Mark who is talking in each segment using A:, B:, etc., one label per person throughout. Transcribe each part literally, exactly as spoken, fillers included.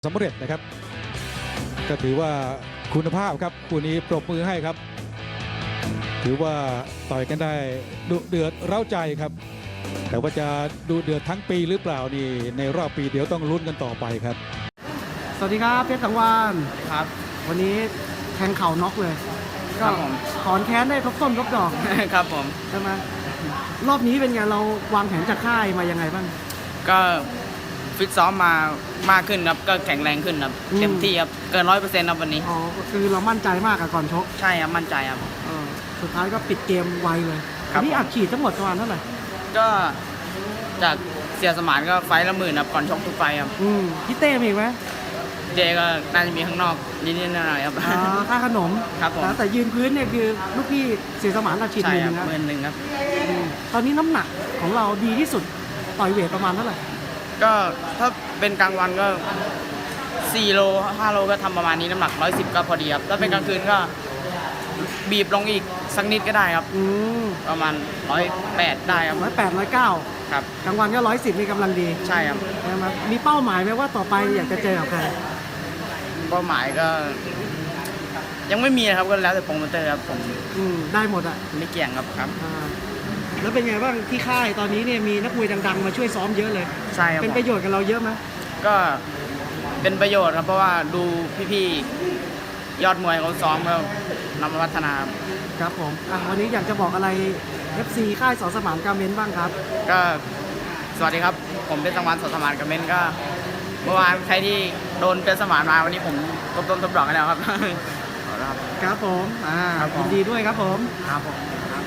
A: สำเร็จนะครับก็ถือว่าคุณภาพครับคู่นี้ปรบมือให้ครับถือว่าต่อยกันได้ดุเดือดเร้าใจครับแต่ว่าจะดุเดือดทั้งปีหรือเปล่านี่ในรอบปีเดี๋ยวต้องลุ้นกันต่อไปครับ
B: สวัสดีครับเพชรสังวาน
C: ครับ
B: วันนี้แทงเข่าน็อกเลยก็
C: ครับผม
B: ถอนแค้นได้ครบต้นครบดอก
C: ครับผม
B: ใช่ไหมรอบนี้เป็นไงเราวางแผนจากค่ายมายังไงบ้าง
C: ก็ฟิตซ้อมมามากขึ้นครับก็แข็งแรงขึ้นครับเต็มที่ครับเกินร้อยเปอร์เซ็นต์ครับวันนี้
B: อ๋อคือเรามั่นใจมากกับก่อนชก
C: ใช่ครับมั่นใจครับ
B: เออสุดท้ายก็ปิดเกมไวเลย
C: ครับ
B: นี่อัดฉีดทั้งหมดประมาณเท่าไหร่
C: ก็จากเสียสมานก็ไฟละหมื่นครับก่อนชกทุกไฟครับ
B: อืมพี่เต้มีอีกไหม
C: เจก็น่าจะมีข้างนอกนิดๆหน่อยๆครับ
B: อ่าค่าขนม
C: ครับผม
B: แต่ยืนพื้นเนี่ยคือลูกพี่เสียสมานอัดฉีดหมื่นหนึ่งครับ
C: หมื่นหนึ่งครับ
B: ตอนนี้น้ำหนักของเราดีที่สุดต่อยเวทประมาณเท่าไหร่
C: ก็ถ้าเป็นกลางวันก็สี่โลห้าโลก็ทำประมาณนี้น้ำหนักร้อยสิบก็พอดีครับถ้าเป็นกลางคืนก็บีบลงอีกสักนิดก็ได้ครับ
B: อืม
C: ประมาณร้อยแปดได้ครับ
B: ร้อยแปดร้อยเก้า
C: ครับ
B: กลางวันก็ร้อยสิบนี่กำลังดี
C: ใช่ครับ
B: ใช่ไหมมีเป้าหมายไหมว่าต่อไปอยากจะเจอกับใคร
C: เป้าหมายก็ยังไม่มีนะครับก็แล้วแต่โปรโมเตอร์ครับผม
B: อืมได้หมดอ่ะ
C: ไม่เกี่ยงครับครับ
B: แล้วเป็นไงบ้างที่ค่ายตอนนี้เนี่ยมีนักมวยดังๆมาช่วยซ้อมเยอะเลย
C: ใช่ครับ
B: เป็นประโยชน์กับเราเยอะไหม
C: ก็เป็นประโยชน์ครับเพราะว่าดูพี่ๆยอดมวยเขาซ้อมก็นำมาพัฒนา
B: ครับผมอ่ะวันนี้อยากจะบอกอะไร เอฟ ซี ค่ายส.สมานการเมนบ้างครับ
C: ก็สวัสดีครับผมเป็นสังวานส.สมานการเมนก็เมื่อวานใครที่โดนเป็นสมานมาวันนี้ผมตบต้นตบดอกกันแล้วครับ
B: ครับผมอ่ายินดีด้วยครับผมครับผม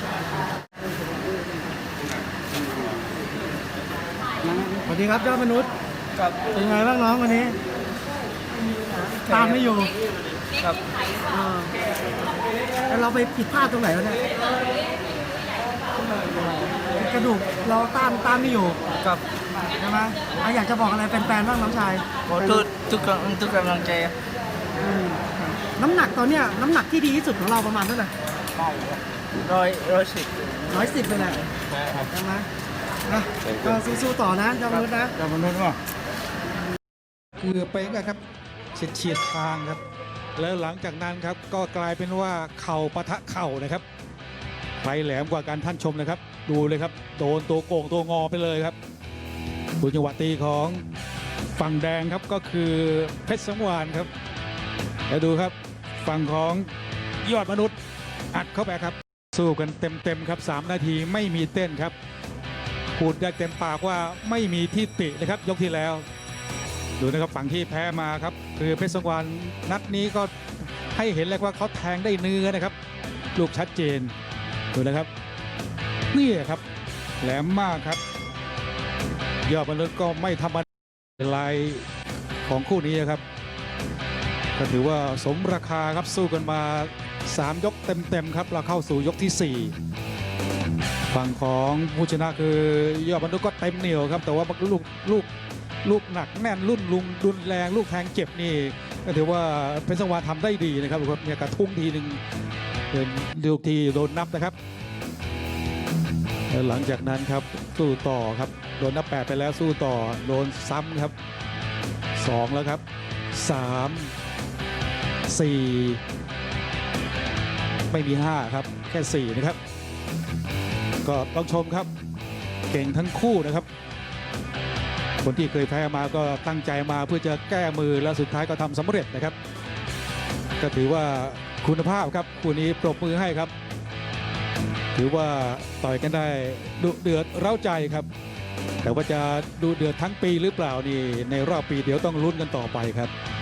B: สวัสดีครับยอดมนุษย์
C: ครับ
B: เป็นไงบ้างน้องวันนี้ตามไม่อยู่
C: ครับ
B: แล้วเราไปผิดพลาดตรงไหนวะเนี่ยกระดูกเราต้านต้านไม่อยู่
C: ครับ
B: ใช่ไหมอยากจะบอกอะไรแฟนๆบ้างน้องชาย
C: ขอทุกทุกทุกกำลังใจ
B: น้ำหนักตอนเนี้ยน้ำหนักที่ดีที่สุดของเราประมาณเท่าไหร่
C: ร้อยร้อยสิบ
B: ร้อยสิบเลยแหละใช่ไหมนะก็สู้ๆต่อนะเจ้ามนุษย์นะ
C: เจ้ามนุษย์ว่า
A: เกือบไปนะครับเฉียดเฉียดทางครับแล้วหลังจากนั้นครับก็กลายเป็นว่าเข่าปะทะเข่านะครับใครแหลมกว่าการท่านชมเลยครับดูเลยครับโดนตัวโก่งตัวงอไปเลยครับดูจังหวะตีของฝั่งแดงครับก็คือเพชรสังวานครับแล้วดูครับฝั่งของยอดมนุษย์อัดเข้าไปครับสู้กันเต็มๆครับสามนาทีไม่มีเต้นครับพูดได้เต็มปากว่าไม่มีที่ตินะครับยกที่แล้วดูนะครับฝั่งที่แพ้มาครับคือเพชรสังวานนัดนี้ก็ให้เห็นเลยว่าเขาแทงได้เนื้อนะครับลูกชัดเจนดูนะครับนี่ครับแหลมมากครับยอดมนุษย์ก็ไม่ธรรมดาลายของคู่นี้ครับก็ถือว่าสมราคาครับสู้กันมาสามยกเต็มๆครับเราเข้าสู่ยกที่สี่ฝั่งของผู้ชนะคือยอดมนุษย์ก็เต็มเหนียวครับแต่ว่าลูกลูกลูกหนักแน่นรุ่นลุงดุนแรงลูกแทงเจ็บนี่ก็ถือว่าเพชรสังวานทำได้ดีนะครับดูครับเนี่ยกระทุ้งทีหนึ่งเป็นลูกที่โดนนับนะครับหลังจากนั้นครับสู้ต่อครับโดนนับแปดไปแล้วสู้ต่อโดนซ้ำครับสองแล้วครับสามสี่ไม่มีห้าครับแค่สี่นะครับก็ต้องชมครับเก่งทั้งคู่นะครับคนที่เคยแพ้มาก็ตั้งใจมาเพื่อจะแก้มือแล้วสุดท้ายก็ทำสำเร็จนะครับก็ถือว่าคุณภาพครับคู่นี้ปรบมือให้ครับถือว่าต่อยกันได้ดุเดือดเร้าใจครับแต่ว่าจะดุเดือดทั้งปีหรือเปล่านี่ในรอบปีเดี๋ยวต้องลุ้นกันต่อไปครับ